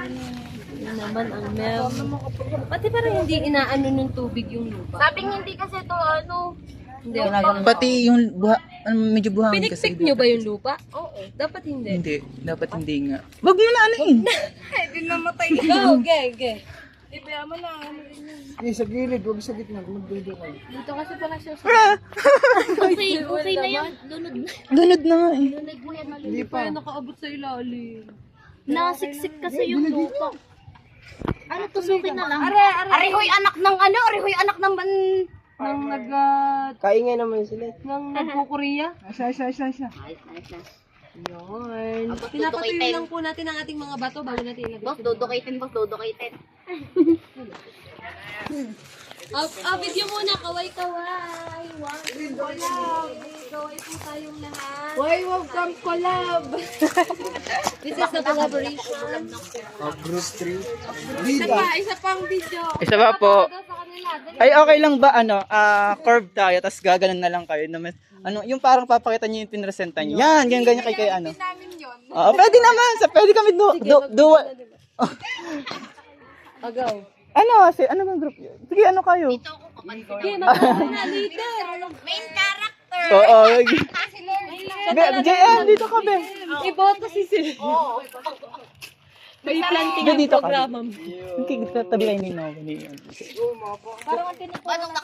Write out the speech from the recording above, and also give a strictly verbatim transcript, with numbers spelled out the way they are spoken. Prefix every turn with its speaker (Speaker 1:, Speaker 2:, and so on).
Speaker 1: Yun naman ang mel. Pati parang hindi inaano ng tubig yung lupa.
Speaker 2: Sabing hindi kasi to ano.
Speaker 1: Hindi.
Speaker 3: Pati yung buha, ano, medyo buhangin kasi.
Speaker 1: Pinikpik nyo ba yung lupa?
Speaker 2: Oo.
Speaker 1: Dapat hindi.
Speaker 3: Hindi, dapat hindi nga. Wag mo na ano eh.
Speaker 2: Hindi namatay.
Speaker 1: Go, ge, ge.
Speaker 2: Ibaya mo na. Ano rin yun.
Speaker 4: Eh, sa gilid, huwag sa gitna. Magdudo ka.
Speaker 1: Dito kasi pala siya sa...
Speaker 2: Okay, okay na yan. Lunod na.
Speaker 3: Lunod na nga eh.
Speaker 2: Lunod mo yan.
Speaker 4: Hindi pa.
Speaker 1: Kaya nakaabot sa ilalim.
Speaker 2: Nasiksik kasi yung lupa. Ano, tusukin na lang.
Speaker 1: Are, are.
Speaker 2: Arihoy anak ng ano? Arihoy anak ng ban...
Speaker 1: Nang nag... Uh,
Speaker 4: Kaingay naman sila.
Speaker 1: nang nagkukorea.
Speaker 4: Asa, asa, asa, asa.
Speaker 2: Ayos, ayos na.
Speaker 1: Yun.
Speaker 2: Tapos
Speaker 1: Pinapatuloy
Speaker 2: dudukitin.
Speaker 1: lang po natin ang ating mga bato bago natin ilagay.
Speaker 2: Boss, dudukitin, boss, dudukitin.
Speaker 1: Ah, ah, video muna. Kaway-kaway. Wow. Collab. Kaway po tayong lahat.
Speaker 4: Why welcome collab?
Speaker 1: This is the collaboration.
Speaker 4: Of group three.
Speaker 1: Isa pa, isa pang video.
Speaker 3: Isa pa po.
Speaker 1: Sa kanila. Dali.
Speaker 3: Ay, okay lang ba, ano, ah, curve tayo, tapos gaganon na lang kayo. Naman, ano, yung parang papakita niyo yung pinresenta niyo. Yan, ganyan, ganyan kay kay ano. Oo, pwede naman. Sa, pwede kami do, do, do,
Speaker 1: Agaw.
Speaker 3: ano, si, ano bang group yun? Sige, ano kayo?
Speaker 2: Ito ako kapag
Speaker 1: Sige, magpapalala na leader.
Speaker 2: main character.
Speaker 3: Oo.
Speaker 2: Kasi Lord.
Speaker 3: Be- J M, dito ka, be.
Speaker 1: Iboto si Sil.
Speaker 2: Oo.
Speaker 1: May planting
Speaker 3: Be,
Speaker 1: ang
Speaker 3: dito ka.
Speaker 1: programa.
Speaker 3: Okay, tabi kayo ni Noah.
Speaker 2: Parang ang tinik. Anong